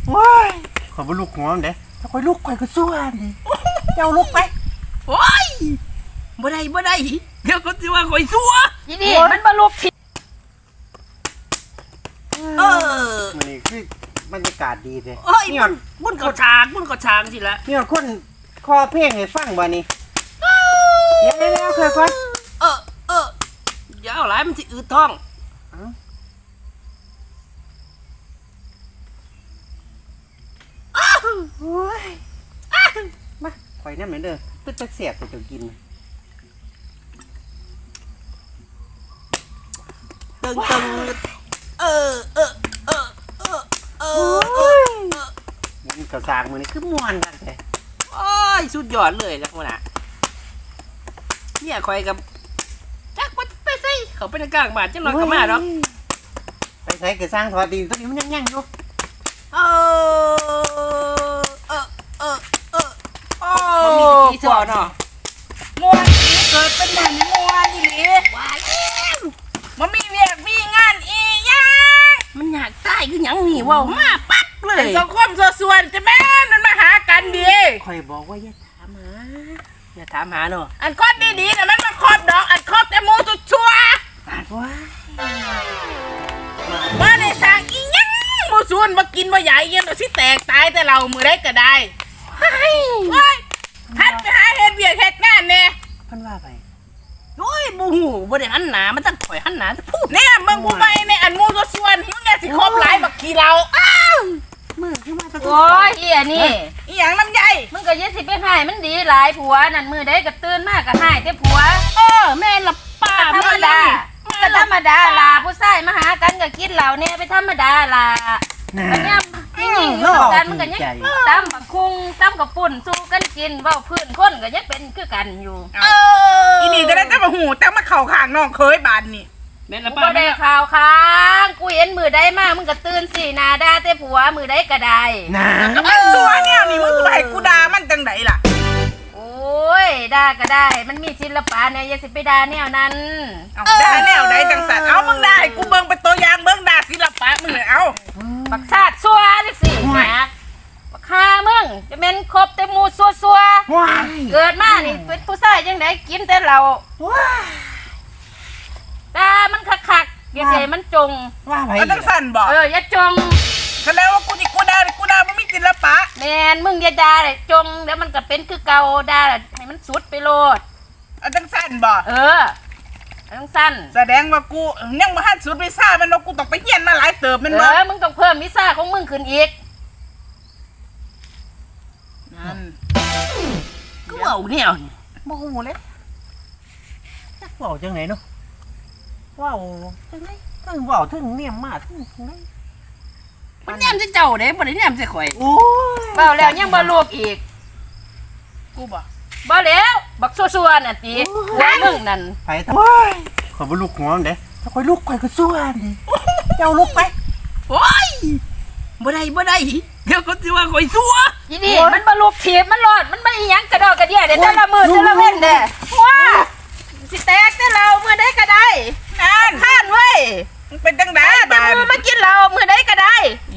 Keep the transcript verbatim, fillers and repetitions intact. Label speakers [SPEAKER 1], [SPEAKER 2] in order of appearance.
[SPEAKER 1] ว้ายขอยบ่ลุกหัวมันเด้ถ้าข่อยลุกข่อยก็สู้อันนี้เจ้าลุกไป
[SPEAKER 2] โอ้ยบ่ได้บ่ได้เดี๋ยวเขาสิว่าข่อยซัว
[SPEAKER 3] อีนี่มันบ่ลุกที
[SPEAKER 2] เออ
[SPEAKER 1] มื้อนี้คือบรรยากาศดีเด้
[SPEAKER 2] เอ้ยมันมันก็ฉากมันก็ฉากสิละ
[SPEAKER 1] มีคนคอเพลงให้ฟังบ่นี่เดี๋ยวๆๆค่อยๆ
[SPEAKER 2] เออเอออย่าเอาหลายมันสิอืดท้อง
[SPEAKER 1] โอ้ยมาข่อยน้ำเหมือนเดิมตึ๊ดจักเสียบไปจนกิน
[SPEAKER 2] ตึงตึงเออเออเออเออเออเออ
[SPEAKER 1] มันกระซางมือนี่คือม่วนกันเลย
[SPEAKER 2] โอ้ยสุดยอดเลยนะพวกน่ะเนี่ยคอยกับจักไปใส่เขาไปในกลางบ้านจังหน่อยก็มาเนาะ
[SPEAKER 1] ไปใส่กระซางทอดดินตัวนี้มันยังๆอยู่
[SPEAKER 2] เออเออเออเออโอ้มีกี่สอนเนาะ
[SPEAKER 3] มวนเกิดเป็นหนังมวนอีหลี
[SPEAKER 2] ว้าย
[SPEAKER 3] มันมีเวียกมีงานอีหยัง
[SPEAKER 2] มันอยากตายคือหยังนี่ว้าวมาปั๊บเลย
[SPEAKER 3] สังคมส่วนจะแม่นมันมาหากันดี
[SPEAKER 1] ข่อยบอกว่าอย่าถามหา
[SPEAKER 2] อย่าถามหาเนาะ
[SPEAKER 3] อันคบดีๆน่ะมันมาคบดอกอันคบแต่มูสุดชัว
[SPEAKER 1] ปาดว่า
[SPEAKER 3] มาในสร้างอีหยังมูส่วนมากินมาใหญ่เงี้ยเราสิแตกตายแต่เรามือได้ก็ได้เฮ้ยทัดไปหาเฮ็ดเวียกเฮ็ดงานแน่
[SPEAKER 1] เพิ่นว่าไป
[SPEAKER 2] โอ้ยบูหูบ่ได้หันหนามันจะถอยหันหนาจะพูด
[SPEAKER 3] เนี่ยมึงกูไปในอันมูตัวส่วนมึงเนี่ยสิครบหลายบักขี้เราอ้าว
[SPEAKER 1] มือขึ้นมาตะโกน
[SPEAKER 4] โอ้ยเอียนี่
[SPEAKER 3] อีหยังลำไย
[SPEAKER 4] มึงก็ยังสิไปหายมันดีหลายผัวนั่นมือได้ก็ตื่นมากก็หายแต่ผัว
[SPEAKER 2] เออแม่ละป้า
[SPEAKER 4] ธรรมดาก็ธรรมดาล่ะผู้ชายมาหากันก็กินเหล้าเนี่ยไปธรรมดาล่ะมันยังนี่ยิงอยู่กันมันก็ยังตำบักคุงตำกับปุ่นสู้กันกินเว้าพื้นคนก็ยังเป็นคือกันอยู่
[SPEAKER 3] เอออีนี่ก็ได้แต่มาหูแต่มาเข่าข้างน้องเคยบานนี่
[SPEAKER 2] แม่ละ
[SPEAKER 4] ป้า
[SPEAKER 2] บ่
[SPEAKER 4] ได้ข่าวค้างกูเห็นมือได้มามึงก็ตื่นสินาด่าแต่ผัวมือได้ก็ได้
[SPEAKER 1] นะ
[SPEAKER 3] มันซัวเนี่ยนี่มึงไปกูด่ามันจังไดล่ะ
[SPEAKER 4] โอ้ยด่าก็ได้มันมีศิลปะเนี่ยอย่าสิไปด่าแนวนั้น
[SPEAKER 3] เอาด่าแนวใดจังสันเอามึงได้กูเบิ่งเป็นตัวอย่างเบิ่งด่าศิลปะมึงเลยเอา
[SPEAKER 4] บักซาดซัวจังสิแหมบักฆ่ามึงจะเป็นครบแต่หมูซัวซัวเกิดมานี่เป็นผู้ชายจังไดกินแต่เหล้าด่ามันคักๆอย่าเสมันจง
[SPEAKER 1] ว่าไป
[SPEAKER 3] เอาจังสันบอก
[SPEAKER 4] เอออย่าจง
[SPEAKER 3] แสดงว่ากูนี่กูด่ากูด่ามันมีศิลปะ
[SPEAKER 4] แมนมึงอย่าด่าเลยจงเดี๋ยวมันก็เป็นคือเก่าด่าให้มันสุดไปโลด
[SPEAKER 3] เอาจังสันบอก
[SPEAKER 4] เออจังสั้น
[SPEAKER 3] แสดงว่ากูยังมาหันสุดไปซ่ามันว่ากูต้องไปเฮียนมาหลายเติบมันบ่
[SPEAKER 4] เออมึงต้องเพิ่มวิซ่าของมึงขึ้นอีก
[SPEAKER 3] นั่น
[SPEAKER 2] ก็เว้าแนวนี่
[SPEAKER 1] บ่ฮู้เลยจักเว้าจังไหนเนาะเว้าจังได๋ถึงเว้าถึงเนี่ยมาถึงจังได๋
[SPEAKER 2] มันแนมจะเจ้าเด้บ่ได้แนมจะข่อย
[SPEAKER 1] โอ้
[SPEAKER 4] ยเว้าแล้วยังบ่ลูกอีก
[SPEAKER 3] กูบ่
[SPEAKER 4] บ่แล้วบักซัวๆน่ะติหัวมึงนั่น
[SPEAKER 1] ไปทำไมข่อยบ่ลุกหัวมันเด้ถ้าข่อยลุกข่อยก็สู้อันนี้เจ้าลุกไป
[SPEAKER 2] โอ้ยบ่ได้บ่ได้เดี๋ยวเขาสิว่าข่อยซัว
[SPEAKER 4] อีนี่มันบ่ลูกถีบมันรอดมันบ่อีหยังกระดอกกระเดี่ยเด้แต่ละมื้อแต่ละเว้นเด้ว้าสิแตกแต่เรามื้อใดก็ได้
[SPEAKER 3] นั่น
[SPEAKER 4] ข้านเว้ย
[SPEAKER 3] มึงเป็นจังได๋
[SPEAKER 4] แต่มื้อมากินเหล้ามื้อใดก็ได้